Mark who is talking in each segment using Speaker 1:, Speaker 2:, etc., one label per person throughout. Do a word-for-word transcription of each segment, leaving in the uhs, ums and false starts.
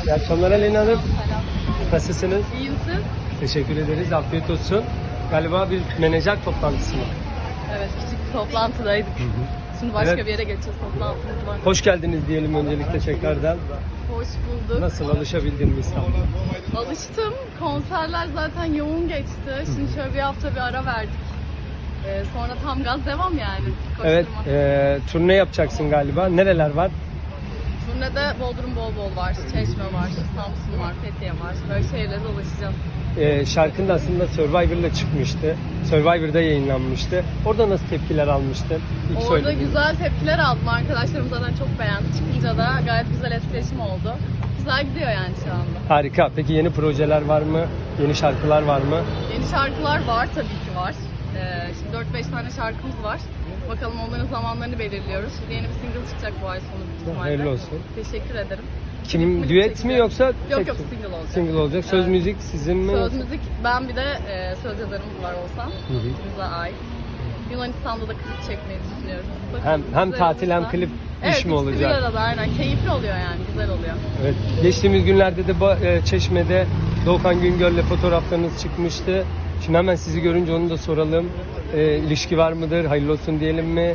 Speaker 1: İyi akşamlar Aleyna Hanım. Nasılsınız?
Speaker 2: İyiyim siz?
Speaker 1: Teşekkür ederiz. Afiyet olsun. Galiba bir menajer toplantısı mı?
Speaker 2: Evet, küçük bir toplantıdaydık. Şimdi başka
Speaker 1: Evet.
Speaker 2: bir yere geçeceğiz, toplantımız var.
Speaker 1: Hoş geldiniz diyelim öncelikle tekrardan.
Speaker 2: Hoş bulduk.
Speaker 1: Nasıl, alışabildin mi İstanbul'a?
Speaker 2: Alıştım. Konserler zaten yoğun geçti. Şimdi şöyle bir hafta bir ara verdik. Ee, sonra tam gaz devam yani. Koşturma.
Speaker 1: Evet, e, turne yapacaksın galiba. Nereler var?
Speaker 2: Turnede Bodrum bol bol var, Çeşme var, Samsun var, Fethiye var. Böyle şehirlere dolaşacağız.
Speaker 1: E, şarkın da aslında Survivor'la çıkmıştı. Survivor'da yayınlanmıştı. Orada nasıl tepkiler almıştın? İlk
Speaker 2: Orada
Speaker 1: söylediğin.
Speaker 2: güzel tepkiler aldım. Arkadaşlarım zaten çok beğendi. Çıkınca da gayet güzel etkileşim oldu. Güzel gidiyor yani şu anda.
Speaker 1: Harika. Peki yeni projeler var mı? Yeni şarkılar var mı?
Speaker 2: Yeni şarkılar var tabii ki var. Ee, şimdi dört beş tane şarkımız var. Bakalım onların zamanlarını belirliyoruz. Şimdi yeni bir single çıkacak bu ay sonu büyük ihtimalle.
Speaker 1: Hayırlı olsun.
Speaker 2: Teşekkür ederim.
Speaker 1: Kim,
Speaker 2: Klibimi
Speaker 1: düet mi
Speaker 2: çekeceğiz.
Speaker 1: yoksa?
Speaker 2: Yok
Speaker 1: tek-
Speaker 2: yok single olacak.
Speaker 1: Single olacak. Söz
Speaker 2: Evet.
Speaker 1: müzik sizin mi?
Speaker 2: Söz müzik ben bir de e, söz yazarımız var Oğuzhan.
Speaker 1: Hı hı.
Speaker 2: İkimize ait. Yunanistan'da da klip çekmeyi düşünüyoruz. Bakalım,
Speaker 1: Hem hem
Speaker 2: güzel
Speaker 1: tatil hem
Speaker 2: olursa.
Speaker 1: klip
Speaker 2: Evet,
Speaker 1: iş mi
Speaker 2: ikisi bir
Speaker 1: olacak?
Speaker 2: arada aynen. Keyifli oluyor yani. Güzel oluyor.
Speaker 1: Evet. Geçtiğimiz günlerde de ba- e, Çeşme'de Doğukan Güngör'le fotoğraflarınız çıkmıştı. Şimdi hemen sizi görünce onu da soralım. E, ilişki var mıdır? Hayırlı olsun diyelim mi?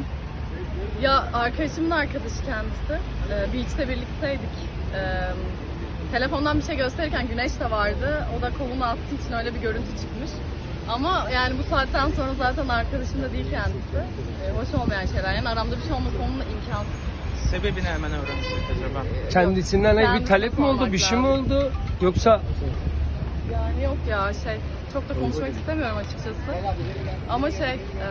Speaker 2: Ya arkadaşımın arkadaşı kendisi. Ee, beach'te birlikteydik. Ee, telefondan bir şey gösterirken güneş de vardı. O da kolunu attığı için öyle bir görüntü çıkmış. Ama yani bu saatten sonra zaten arkadaşım da değil kendisi. Ee, hoş olmayan şeyler. Yani aramda bir şey olması onunla imkansız.
Speaker 3: Sebebini hemen öğrensek acaba.
Speaker 1: Kendisinden bir
Speaker 2: Kendisine
Speaker 1: talep mi oldu?
Speaker 2: sormak
Speaker 1: Bir şey mi
Speaker 2: lazım.
Speaker 1: oldu? Yoksa
Speaker 2: Yani yok ya şey çok da konuşmak istemiyorum açıkçası. Ama şey e,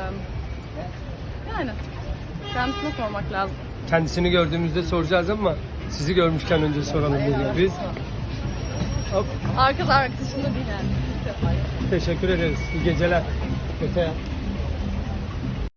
Speaker 2: yani kendisine sormak lazım.
Speaker 1: kendisini gördüğümüzde soracağız ama sizi görmüşken önce soralım dedik biz. Hop,
Speaker 2: Arkadaş arkadaşım da değil yani.
Speaker 1: teşekkür ederiz. İyi geceler. Öte.